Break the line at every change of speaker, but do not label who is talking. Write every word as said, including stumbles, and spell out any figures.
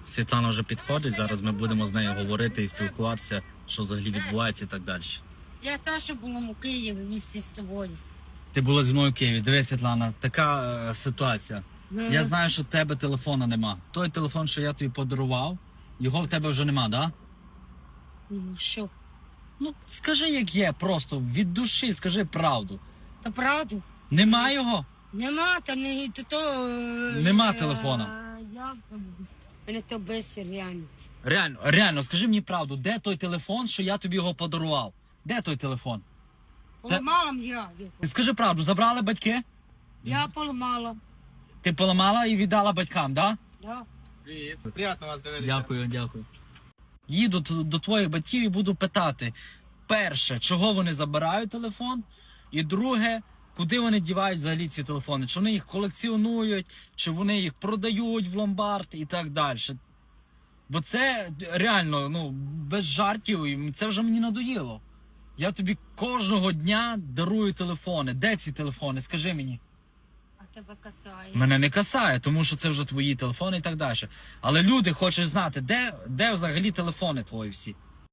Світлана вже підходить, зараз ми будемо з нею говорити і спілкуватися, що взагалі відбувається і так далі.
Я теж була у Києві місті з тобою.
Ти була зі мною в Києві. Дивись, Світлана, така е, ситуація.
Ну,
Я знаю, що в тебе телефона нема. Той телефон, що я тобі подарував, його в тебе вже нема, да?
ну, що?
Ну, скажи, як є, просто від душі, скажи правду.
Та правду?
Нема його?
Нема, та не то. то е,
Нема
е,
телефона.
Як там? Мене то без реально.
Реально, реально, скажи мені правду, де той телефон, що я тобі його подарував? Де той телефон?
Поламала я його.
Скажи правду, забрали батьки?
Я поламала.
Ти поламала і віддала батькам, да?
Да.
Привіт, приємно вас дивитися.
Дякую, дякую. Їду т- до твоїх батьків і буду питати: перше, чого вони забирають телефон, і друге, куди вони дівають взагалі ці телефони? Чи вони їх колекціонують, чи вони їх продають в ломбард і так далі. Бо це реально, ну, без жартів, і це вже мені надоїло. Я тобі кожного дня дарую телефони. Де ці телефони? Скажи мені.
А тебе касає.
Мене не касає, тому що це вже твої телефони і так далі. Але люди хочуть знати, де, де взагалі телефони твої всі.